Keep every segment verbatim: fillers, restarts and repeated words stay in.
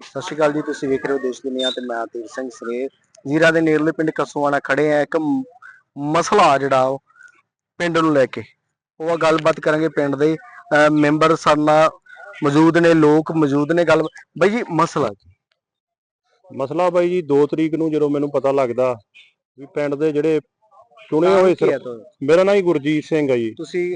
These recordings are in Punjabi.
ਸਤਿ ਸ਼੍ਰੀ ਅਕਾਲ ਜੀ। ਤੁਸੀਂ ਵੇਖ ਰਹੇ ਹੋ ਦੇਸ਼ ਦੁਨੀਆ ਤੇ ਮੈਂ ਤੀਰ ਸਿੰਘ ਸਰੇ ਜੀਰਾ ਦੇ ਨੇੜਲੇ ਪਿੰਡ ਕਸੂਆਣਾ ਖੜੇ ਆ। ਇੱਕ ਮਸਲਾ ਜਿਹੜਾ ਉਹ ਪਿੰਡ ਨੂੰ ਲੈ ਕੇ ਉਹ ਗੱਲਬਾਤ ਕਰਾਂਗੇ। ਪਿੰਡ ਦੇ ਮੈਂਬਰ ਸਾਡੇ ਨਾਲ ਮੌਜੂਦ ਨੇ, ਲੋਕ ਮੌਜੂਦ ਨੇ। ਗੱਲ ਬਾਈ ਜੀ, ਮਸਲਾ ਜੀ ਮਸਲਾ ਬਾਈ ਜੀ ਦੋ ਤਰੀਕ ਨੂੰ ਜਦੋਂ ਮੈਨੂੰ ਪਤਾ ਲੱਗਦਾ ਵੀ ਪਿੰਡ ਦੇ ਜਿਹੜੇ ਚੁਣੇ ਹੋਏ ਸਰ, ਮੇਰਾ ਨਾਂ ਹੀ ਗੁਰਜੀਤ ਸਿੰਘ ਹੈ ਜੀ। ਤੁਸੀਂ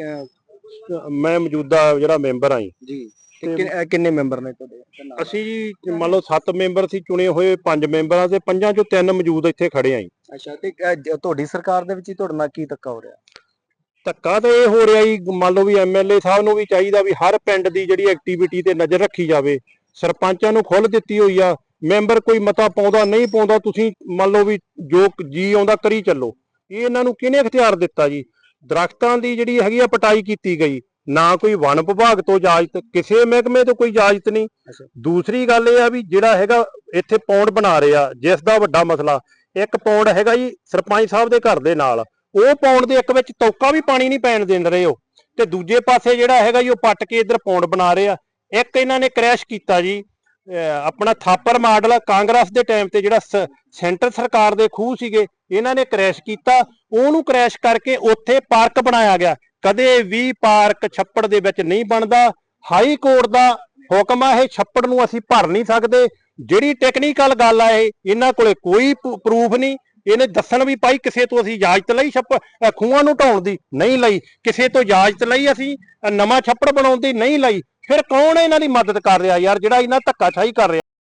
ਮੈਂ ਮੌਜੂਦਾ ਜਿਹੜਾ ਮੈਂਬਰ ਆਂ ਜੀ। ਕਿੰਨੇ ਮੈਂਬਰ ਨੇ ਤੁਹਾਡੇ? ਅਸੀਂ ਜੀ ਮੰਨ ਲਓ ਸੱਤ ਮੈਂਬਰ ਸੀ ਚੁਣੇ ਹੋਏ, ਪੰਜ ਮੈਂਬਰਾਂ ਦੇ ਪੰਜਾਂ ਚੋਂ ਤਿੰਨ ਮੌਜੂਦ ਇੱਥੇ ਖੜੇ ਆਂ ਜੀ। ਅੱਛਾ, ਤੇ ਤੁਹਾਡੀ ਸਰਕਾਰ ਦੇ ਵਿੱਚ ਹੀ ਤੁਹਾਡੇ ਨਾਲ ਕੀ ਧੱਕਾ ਹੋ ਰਿਹਾ? ਧੱਕਾ ਤਾਂ ਇਹ ਹੋ ਰਿਹਾ ਜੀ, ਮੰਨ ਲਓ ਵੀ ਐਮਐਲਏ ਸਾਹਿਬ ਨੂੰ ਵੀ ਚਾਹੀਦਾ ਵੀ ਹਰ ਪਿੰਡ ਦੀ ਜਿਹੜੀ ਐਕਟੀਵਿਟੀ ਤੇ ਨਜ਼ਰ ਰੱਖੀ ਜਾਵੇ। ਸਰਪੰਚਾਂ ਨੂੰ ਖੁੱਲ੍ਹ ਦਿੱਤੀ ਹੋਈ ਆ, ਮੈਂਬਰ ਕੋਈ ਮਤਾ ਪਾਉਂਦਾ ਨਹੀਂ ਪਾਉਂਦਾ, ਤੁਸੀਂ ਮੰਨ ਲਓ ਵੀ ਜੋ ਜੀ ਆਉਂਦਾ ਕਰੀ ਚੱਲੋ। ਇਹ ਇਹਨਾਂ ਨੂੰ ਕਿਹਨੇ ਇਖਤਿਆਰ ਦਿੱਤਾ ਜੀ? ਦਰਖਤਾਂ ਦੀ ਜਿਹੜੀ ਹੈਗੀ ਆ ਪਟਾਈ ਕੀਤੀ ਗਈ, ਨਾ ਕੋਈ ਵਣ ਵਿਭਾਗ ਤੋਂ ਇਜਾਜ਼ਤ, ਕਿਸੇ ਮਹਿਕਮੇ ਤੋਂ ਕੋਈ ਇਜਾਜ਼ਤ ਨਹੀਂ। ਦੂਸਰੀ ਗੱਲ ਇਹ ਆ ਵੀ ਜਿਹੜਾ ਹੈਗਾ ਇੱਥੇ ਪੌਂਡ ਬਣਾ ਰਿਹਾ, ਜਿਸ ਦਾ ਵੱਡਾ ਮਸਲਾ ਇੱਕ ਪੌਂਡ ਹੈਗਾ ਜੀ ਸਰਪੰਚ ਸਾਹਿਬ ਦੇ ਘਰ ਦੇ ਨਾਲ, ਉਹ ਪੌਂਡ ਦੇ ਇੱਕ ਵਿੱਚ ਤੌਕਾ ਵੀ ਪਾਣੀ ਨਹੀਂ ਪੈਣ ਦੇ ਰਹੇ ਹੋ, ਤੇ ਦੂਜੇ ਪਾਸੇ ਜਿਹੜਾ ਹੈਗਾ ਜੀ ਉਹ ਪੱਟ ਕੇ ਇੱਧਰ ਪੌਂਡ ਬਣਾ ਰਹੇ ਆ। ਇੱਕ ਇਹਨਾਂ ਨੇ ਕ੍ਰੈਸ਼ ਕੀਤਾ ਜੀ ਆਪਣਾ ਥਾਪਰ ਮਾਡਲ, ਕਾਂਗਰਸ ਦੇ ਟਾਈਮ ਤੇ ਜਿਹੜਾ ਸੈਂਟਰ ਸਰਕਾਰ ਦੇ ਖੂਹ ਸੀਗੇ, ਇਹਨਾਂ ਨੇ ਕ੍ਰੈਸ਼ ਕੀਤਾ। ਉਹਨੂੰ ਕ੍ਰੈਸ਼ ਕਰਕੇ ਉੱਥੇ ਪਾਰਕ ਬਣਾਇਆ ਗਿਆ। ਕਦੇ ਵੀ ਪਾਰਕ ਛੱਪੜ ਦੇ ਵਿੱਚ ਨਹੀਂ ਬਣਦਾ। ਹਾਈ ਕੋਰਟ ਦਾ ਹੁਕਮ ਆ, ਇਹ ਛੱਪੜ ਨੂੰ ਅਸੀਂ ਭਰ ਨਹੀਂ ਸਕਦੇ। ਜਿਹੜੀ ਟੈਕਨੀਕਲ ਗੱਲ ਆ, ਇਹ ਇਹਨਾਂ ਕੋਲੇ ਕੋਈ ਪ੍ਰੂਫ ਨਹੀਂ। ਇਹਨੇ ਦੱਸਣ ਵੀ ਭਾਈ ਕਿਸੇ ਤੋਂ ਅਸੀਂ ਇਜਾਜ਼ਤ ਲਈ ਛੱਪੜ ਖੂਹਾਂ ਨੂੰ ਢਾਉਣ ਦੀ ਨਹੀਂ ਲਈ, ਕਿਸੇ ਤੋਂ ਇਜਾਜ਼ਤ ਲਈ ਅਸੀਂ ਨਵਾਂ ਛੱਪੜ ਬਣਾਉਣ ਦੀ ਨਹੀਂ ਲਈ। ਫਿਰ ਕੌਣ ਇਹਨਾਂ ਦੀ ਮਦਦ ਕਰ ਰਿਹਾ ਯਾਰ, ਜਿਹੜਾ ਇਹਨਾਂ ਧੱਕਾਸ਼ਾਹੀ ਕਰ ਰਿਹਾ?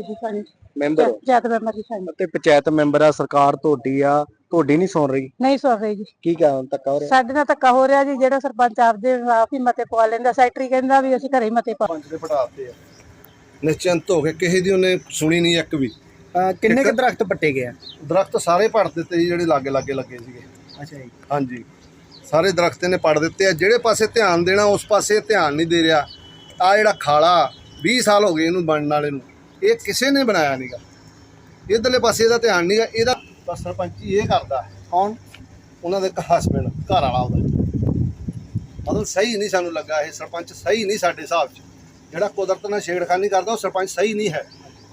ਮੈਂਬਰ ਤੇ ਪੰਚਾਇਤ ਮੈਂਬਰ ਆ, ਸਰਕਾਰ ਤੁਹਾਡੀ ਆ, ਤੁਹਾਡੀ ਨਹੀਂ ਸੁਣ ਰਹੀ? ਨਹੀਂ ਸੁਣ ਰਹੀ ਜੀ। ਕੀ ਕਾਰਨ ਧੱਕਾ ਹੋ ਰਿਹਾ? ਸਾਡੇ ਨਾਲ ਧੱਕਾ ਹੋ ਰਿਹਾ ਜੀ। ਜਿਹੜਾ ਸਰਪੰਚ ਆਪਦੇ ਆਪ ਹੀ ਮਤੇ ਪਵਾ ਲੈਂਦਾ, ਸੈਕਟਰੀ ਕਹਿੰਦਾ ਵੀ ਅਸੀਂ ਘਰੇ ਹੀ ਮਤੇ ਪਾ। ਪੰਜ ਦੇ ਪਟਾਤੇ ਆ ਨਿਸ਼ਚਿੰਤ ਹੋ ਕੇ, ਕਿਸੇ ਦੀ ਉਹਨੇ ਸੁਣੀ ਨਹੀਂ ਇੱਕ ਵੀ। ਕਿੰਨੇ ਕੁ ਦਰਖਤ ਪੱਟੇ ਗਏ? ਦਰਖਤ ਸਾਰੇ ਪੱਟ ਦਿੱਤੇ ਜੀ, ਜਿਹੜੇ ਲਾਗੇ ਲਾਗੇ ਲੱਗੇ ਸੀਗੇ। ਅੱਛਾ ਜੀ। ਹਾਂਜੀ, ਸਾਰੇ ਦਰਖਤ ਇਹਨੇ ਪੱਟ ਦਿੱਤੇ ਆ। ਜਿਹੜੇ ਪਾਸੇ ਧਿਆਨ ਦੇਣਾ ਉਸ ਪਾਸੇ ਧਿਆਨ ਨਹੀਂ ਦੇ ਰਿਹਾ। ਆ ਜਿਹੜਾ ਖਾਲਾ ਵੀਹ ਸਾਲ ਹੋ ਗਏ ਇਹਨੂੰ ਬਣਨ ਵਾਲੇ ਨੂੰ, ਇਹ ਕਿਸੇ ਨੇ ਬਣਾਇਆ ਨਹੀਂਗਾ। ਇੱਧਰਲੇ ਪਾਸੇ ਇਹਦਾ ਧਿਆਨ ਨਹੀਂਗਾ। ਇਹਦਾ ਬਸ ਸਰਪੰਚੀ ਇਹ ਕਰਦਾ। ਕੌਣ? ਉਹਨਾਂ ਦੇ ਹਸਬੈਂਡ, ਘਰ ਵਾਲਾ ਉਹਦਾ। ਮਤਲਬ ਸਹੀ ਨਹੀਂ ਸਾਨੂੰ ਲੱਗਾ ਇਹ ਸਰਪੰਚ, ਸਹੀ ਨਹੀਂ ਸਾਡੇ ਹਿਸਾਬ 'ਚ। ਜਿਹੜਾ ਕੁਦਰਤ ਨਾਲ ਛੇੜਖਾਨੀ ਕਰਦਾ ਉਹ ਸਰਪੰਚ ਸਹੀ ਨਹੀਂ ਹੈ।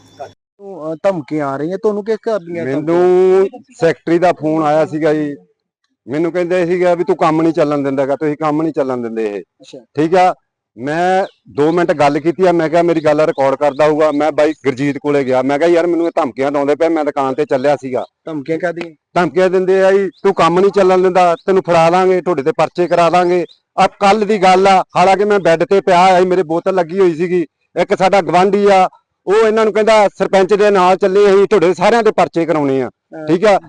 ਧਮਕੀਆਂ ਆ ਰਹੀਆਂ ਤੁਹਾਨੂੰ ਕਿਸ ਕਰਦੀਆਂ? ਮੈਨੂੰ ਸੈਕਟਰੀ ਦਾ ਫੋਨ ਆਇਆ ਸੀਗਾ ਜੀ। ਮੈਨੂੰ ਕਹਿੰਦੇ ਸੀਗਾ ਵੀ ਤੂੰ ਕੰਮ ਨਹੀਂ ਚੱਲਣ ਦਿੰਦਾਗਾ, ਤੁਸੀਂ ਕੰਮ ਨਹੀਂ ਚੱਲਣ ਦਿੰਦੇ ਇਹ। ਠੀਕ ਆ, ਮੈਂ ਦੋ ਮਿੰਟ ਗੱਲ ਕੀਤੀ ਆ। ਮੈਂ ਕਿਹਾ ਮੇਰੀ ਗੱਲ ਰਿਕਾਰਡ ਕਰਦਾ ਹੋਊਗਾ। ਮੈਂ ਬਾਈ ਗੁਰਜੀਤ ਕੋਲੇ ਗਿਆ। ਮੈਂ ਕਿਹਾ ਯਾਰ ਮੈਨੂੰ ਇਹ ਧਮਕੀਆਂ ਲਾਉਂਦੇ ਪਏ, ਮੈਂ ਦੁਕਾਨ ਤੇ ਚੱਲਿਆ ਸੀਗਾ। ਧਮਕੀਆਂ ਕਾਹਦੀਆਂ? ਧਮਕੀਆਂ ਦਿੰਦੇ ਆ ਜੀ, ਤੂੰ ਕੰਮ ਨਹੀਂ ਚੱਲਣ ਦਿੰਦਾ, ਤੈਨੂੰ ਫੜਾ ਦਾਂਗੇ, ਤੁਹਾਡੇ ਤੇ ਪਰਚੇ ਕਰਾ ਦਾਂਗੇ। ਆ ਕੱਲ ਦੀ ਗੱਲ ਆ, ਹਾਲਾਂਕਿ ਮੈਂ ਬੈੱਡ ਤੇ ਪਿਆ ਆ, ਮੇਰੇ ਬੋਤਲ ਲੱਗੀ ਹੋਈ ਸੀਗੀ। ਇੱਕ ਸਾਡਾ ਗਵਾਂਢੀ ਆ, ਉਹ ਇਹਨਾਂ ਨੂੰ ਕਹਿੰਦਾ ਸਰਪੰਚ ਦੇ ਨਾਲ ਚੱਲੇ, ਅਸੀਂ ਤੁਹਾਡੇ ਸਾਰਿਆਂ ਦੇ ਪਰਚੇ ਕਰਾਉਣੇ ਆ। ਠੀਕ ਆ,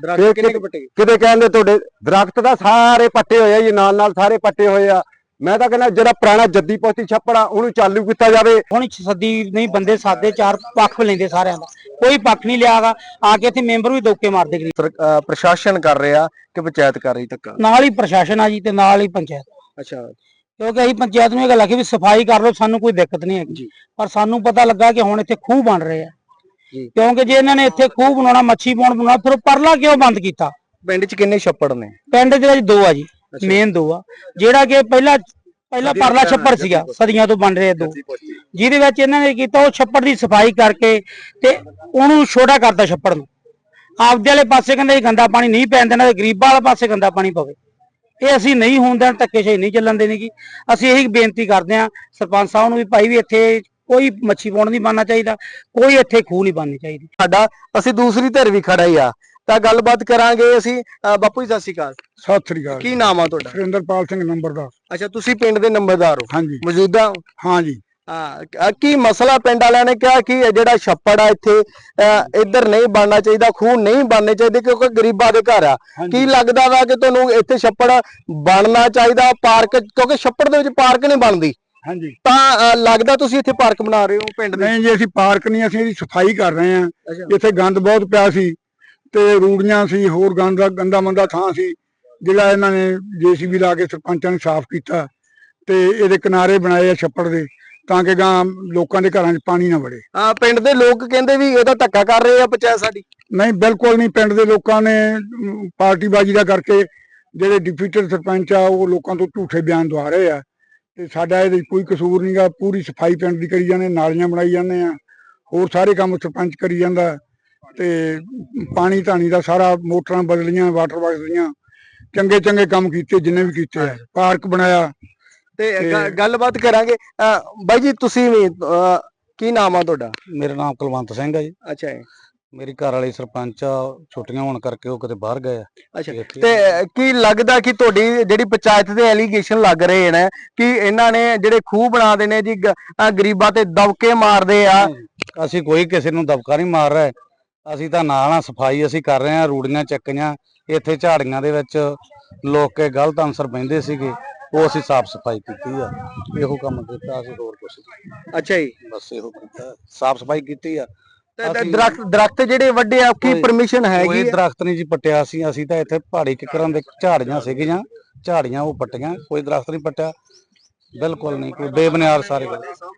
ਕਿਤੇ ਕਹਿੰਦੇ ਤੁਹਾਡੇ ਦਰਖਤ ਦਾ ਸਾਰੇ ਪੱਟੇ ਹੋਏ ਆ ਜੀ, ਨਾਲ ਨਾਲ ਸਾਰੇ ਪੱਟੇ ਹੋਏ ਆ। ਮੈਂ ਤਾਂ ਕਹਿੰਦਾ ਜਿਹੜਾ ਪੁਰਾਣਾ ਜੱਦੀ ਪੋਤੀ ਛੱਪੜ ਆ ਉਹਨੂੰ ਚਾਲੂ ਕੀਤਾ ਜਾਵੇ। ਹੁਣ ਸੱਦੀ ਨਹੀਂ, ਬੰਦੇ ਸਾਦੇ ਚਾਰ ਪੱਖ ਲੈਂਦੇ, ਸਾਰਿਆਂ ਦਾ ਕੋਈ ਪੱਖ ਨਹੀਂ ਲਿਆਗਾ। ਆ ਕੇ ਇੱਥੇ ਮੈਂਬਰ ਵੀ ਦੋਕੇ ਮਾਰਦੇ। ਪ੍ਰਸ਼ਾਸਨ ਕਰ ਰਿਹਾ ਕਿ ਪੰਚਾਇਤ ਕਰ ਰਹੀ ਧੱਕਾ? ਨਾਲ ਹੀ ਪ੍ਰਸ਼ਾਸਨ ਆ ਜੀ ਤੇ ਨਾਲ ਹੀ ਪੰਚਾਇਤ। ਅੱਛਾ, ਕਿਉਂਕਿ ਅਸੀਂ ਪੰਚਾਇਤ ਨੂੰ ਇਹ ਗੱਲ ਆਖੀ ਵੀ ਸਫਾਈ ਕਰ ਲਓ, ਸਾਨੂੰ ਕੋਈ ਦਿੱਕਤ ਨਹੀਂ ਹੈਗੀ। ਪਰ ਸਾਨੂੰ ਪਤਾ ਲੱਗਾ ਕਿ ਹੁਣ ਇੱਥੇ ਖੂਹ ਬਣ ਰਹੇ ਆ, ਕਿਉਂਕਿ ਜੇ ਇਹਨਾਂ ਨੇ ਇੱਥੇ ਖੂਹ ਬਣਾਉਣਾ, ਮੱਛੀ ਪੌਂਡ ਬਣਾਉਣਾ, ਫਿਰ ਪਰਲਾ ਕਿਉਂ ਬੰਦ ਕੀਤਾ? ਪਿੰਡ 'ਚ ਕਿੰਨੇ ਛੱਪੜ ਨੇ? ਪਿੰਡ ਦੇ ਵਿੱਚ ਦੋ ਆ ਜੀ, ਮੇਨ ਦੋ ਆ। ਜਿਹੜਾ ਕਿ ਪਹਿਲਾਂ ਪਹਿਲਾਂ ਪਰਲਾ ਛੱਪੜ ਸੀਗਾ, ਸਦੀਆਂ ਤੋਂ ਬਣ ਰਿਹਾ ਦੋ, ਜਿਹਦੇ ਵਿੱਚ ਇਹਨਾਂ ਨੇ ਕੀਤਾ ਉਹ ਛੱਪੜ ਦੀ ਸਫਾਈ ਕਰਕੇ ਤੇ ਉਹਨੂੰ ਛੋਟਾ ਕਰਤਾ ਛੱਪੜ ਨੂੰ। ਆਪਦੇ ਵਾਲੇ ਪਾਸੇ ਕਹਿੰਦੇ ਗੰਦਾ ਪਾਣੀ ਨਹੀਂ ਪੈਣ ਦੇਣਾ, ਤੇ ਗਰੀਬਾਂ ਵਾਲੇ ਪਾਸੇ ਗੰਦਾ ਪਾਣੀ ਪਵੇ। ਇਹ ਅਸੀਂ ਨਹੀਂ ਹੋਣ ਦੇਣਾ, ਧੱਕੇਸ਼ਾਹੀ ਨਹੀਂ ਚੱਲਣ ਦੇਣੀ। ਅਸੀਂ ਇਹੀ ਬੇਨਤੀ ਕਰਦੇ ਹਾਂ ਸਰਪੰਚ ਸਾਹਿਬ ਨੂੰ ਵੀ ਭਾਈ ਵੀ ਇੱਥੇ ਕੋਈ ਮੱਛੀ ਪੌਂਡ ਨਹੀਂ ਬਣਨਾ ਚਾਹੀਦਾ, ਕੋਈ ਇੱਥੇ ਖੂਹ ਨਹੀਂ ਬਣਨੀ ਚਾਹੀਦੀ। ਸਾਡਾ ਅਸੀਂ ਦੂਸਰੀ ਧਿਰ ਵੀ ਖੜਾ ਹੀ ਆ, ਤਾਂ ਗੱਲਬਾਤ ਕਰਾਂਗੇ ਅਸੀਂ। ਬਾਪੂ ਜੀ ਸਤਿ ਸ਼੍ਰੀ ਅਕਾਲ। ਸਤਿ ਸ੍ਰੀ ਅਕਾਲ। ਕੀ ਨਾਮ ਆ ਤੁਹਾਡਾ? ਸੁਰਿੰਦਰਪਾਲ ਸਿੰਘ ਨੰਬਰਦਾਰ। ਅੱਛਾ, ਤੁਸੀਂ ਪਿੰਡ ਦੇ ਨੰਬਰਦਾਰ ਹੋ? ਹਾਂਜੀ। ਮੌਜੂਦਾ? ਹਾਂਜੀ। ਹਾਂ, ਕੀ ਮਸਲਾ? ਪਿੰਡ ਵਾਲਿਆਂ ਨੇ ਕਿਹਾ ਕਿ ਜਿਹੜਾ ਛੱਪੜ ਆ ਇੱਥੇ ਇੱਧਰ ਨਹੀਂ ਬਣਨਾ ਚਾਹੀਦਾ, ਖੂਹ ਨਹੀਂ ਬਣਨੇ ਚਾਹੀਦੇ, ਕਿਉਂਕਿ ਗਰੀਬਾਂ ਦੇ ਘਰ ਆ। ਕੀ ਲੱਗਦਾ ਵਾ ਕਿ ਤੁਹਾਨੂੰ ਇੱਥੇ ਛੱਪੜ ਬਣਨਾ ਚਾਹੀਦਾ, ਪਾਰਕ? ਕਿਉਂਕਿ ਛੱਪੜ ਦੇ ਵਿੱਚ ਪਾਰਕ ਨਹੀਂ ਬਣਦੀ। ਹਾਂਜੀ। ਤਾਂ ਲੱਗਦਾ ਤੁਸੀਂ ਇੱਥੇ ਪਾਰਕ ਬਣਾ ਰਹੇ ਹੋ ਪਿੰਡ ਦੇ? ਨਹੀਂ ਜੀ, ਅਸੀਂ ਪਾਰਕ ਨਹੀਂ, ਅਸੀਂ ਇਹਦੀ ਸਫਾਈ ਕਰ ਰਹੇ ਹਾਂ। ਇੱਥੇ ਗੰਦ ਬਹੁਤ ਪਿਆ ਸੀ ਤੇ ਰੂੜੀਆਂ ਸੀ, ਹੋਰ ਗੰਦ ਗੰਦਾ ਮੰਦਾ ਥਾਂ ਸੀ, ਜਿਹੜਾ ਇਹਨਾਂ ਨੇ ਜੇਸੀਬੀ ਲਾ ਕੇ ਸਰਪੰਚਾਂ ਨੇ ਸਾਫ਼ ਕੀਤਾ ਤੇ ਇਹਦੇ ਕਿਨਾਰੇ ਬਣਾਏ ਆ ਛੱਪੜ ਦੇ, ਤਾਂ ਕਿ ਗਾਂ ਲੋਕਾਂ ਦੇ ਘਰਾਂ 'ਚ ਪਾਣੀ ਨਾ ਵੜੇ। ਆ ਪਿੰਡ ਦੇ ਲੋਕ ਕਹਿੰਦੇ ਵੀ ਇਹਦਾ ਧੱਕਾ ਕਰ ਰਹੇ ਆ ਪੰਚਾਇਤ ਸਾਡੀ। ਨਹੀਂ, ਬਿਲਕੁਲ ਨਹੀਂ। ਪਿੰਡ ਦੇ ਲੋਕਾਂ ਨੇ ਪਾਰਟੀਬਾਜ਼ੀ ਦਾ ਕਰਕੇ ਜਿਹੜੇ ਡਿਪਟੀ ਸਰਪੰਚ ਆ ਉਹ ਲੋਕਾਂ ਤੋਂ ਝੂਠੇ ਬਿਆਨ ਦਵਾ ਰਹੇ ਆ, ਤੇ ਸਾਡਾ ਇਹਦੇ ਕੋਈ ਕਸੂਰ ਨਹੀਂਗਾ। ਪੂਰੀ ਸਫਾਈ ਪਿੰਡ ਦੀ ਕਰੀ ਜਾਂਦੇ, ਨਾਲੀਆਂ ਬਣਾਈ ਜਾਂਦੇ ਆ, ਹੋਰ ਸਾਰੇ ਕੰਮ ਸਰਪੰਚ ਕਰੀ ਜਾਂਦਾ ਹੈ। ਤੇ ਪਾਣੀ ਧਾਣੀ ਦਾ ਸਾਰਾ ਮੋਟਰਾਂ ਬਦਲੀਆਂ, ਵਾਟਰ ਬਾਕਸ ਦੀਆਂ ਚੰਗੇ ਚੰਗੇ ਕੰਮ ਕੀਤੇ ਜਿੰਨੇ ਵੀ ਕੀਤੇ ਆ। ਪਾਰਕ ਬਣਾਇਆ। ਤੇ ਗ- ਤੇ- ਗੱਲਬਾਤ ਕਰਾਂਗੇ। ਅਹ ਬਾਈ ਜੀ ਤੁਸੀਂ ਵੀ ਅਹ ਕੀ ਨਾਮ ਆ ਤੁਹਾਡਾ? ਮੇਰਾ ਨਾਮ ਕੁਲਵੰਤ ਸਿੰਘ ਹੈ ਜੀ। ਅੱਛਾ ਜੀ। ਮੇਰੀ ਘਰ ਵਾਲੀ ਸਰਪੰਚ ਆ, ਛੁੱਟੀਆਂ ਹੋਣ ਕਰਕੇ ਉਹ ਕਿਤੇ ਬਾਹਰ ਗਏ ਆ। ਅੱਛਾ ਇੱਥੇ- ਤੇ ਕੀ ਲੱਗਦਾ ਕਿ ਤੁਹਾਡੀ ਜਿਹੜੀ ਪੰਚਾਇਤ ਦੇ ਐਲੀਗੇਸ਼ਨ ਲੱਗ ਰਹੇ ਨੇ ਕਿ ਇਹਨਾਂ ਨੇ ਜਿਹੜੇ ਖੂਹ ਬਣਾਦੇ ਨੇ ਜੀ ਗ- ਅਹ ਗਰੀਬਾਂ ਤੇ ਦਬਕੇ ਮਾਰਦੇ ਆ? ਅਸੀਂ ਕੋਈ ਕਿਸੇ ਨੂੰ ਦਬਕਾ ਨਹੀਂ ਮਾਰ ਰਹੇ। ਅਸੀਂ ਤਾਂ ਨਾਲ ਆ, ਸਫਾਈ ਅਸੀਂ ਕਰ ਰਹੇ ਆ, ਰੂੜੀਆਂ ਚੱਕੀਆਂ। ਇੱਥੇ ਝਾੜੀਆਂ ਦੇ ਵਿੱਚ ਲੋਕ ਕੇ ਗਲਤ ਅਨਸਰ ਬਹਿੰਦੇ ਸੀਗੇ, ਉਹ ਅਸੀਂ ਸਾਫ਼ ਸਫਾਈ ਕੀਤੀ ਆ। ਇਹੋ ਕੰਮ ਕੀਤਾ ਅਸੀਂ, ਹੋਰ ਕੁਛ ਨਹੀਂ। ਅੱਛਾ ਜੀ। ਬਸ ਇਹੋ ਕੀਤਾ, ਸਾਫ਼ ਸਫਾਈ ਕੀਤੀ ਆ। ਤੇ ਦ- ਅਸੀਂ- ਦਰਖਤ ਦਰਖਤ ਜਿਹੜੇ ਵੱਡੇ ਆ ਕੀ ਕੋਈ- ਪਰਮਿਸ਼ਨ ਹੈਗੀ ਕੋਈ ਆ? ਦਰਖਤ ਨਹੀਂ ਜੀ ਪੱਟਿਆ ਸੀ। ਅਸੀਂ ਤਾਂ ਇੱਥੇ ਪਹਾੜੀ ਕਿਕਰਾਂ ਦੇ ਝਾੜੀਆਂ ਸੀਗੀਆਂ, ਝਾੜੀਆਂ ਉਹ ਪੱਟੀਆਂ, ਕੋਈ ਦਰਖਤ ਨਹੀਂ ਪੱਟਿਆ। ਬਿਲਕੁਲ ਨਹੀਂ, ਕੋਈ ਬੇਬੁਨਿਆਦ ਸਾਰੇ ਗੱਲ।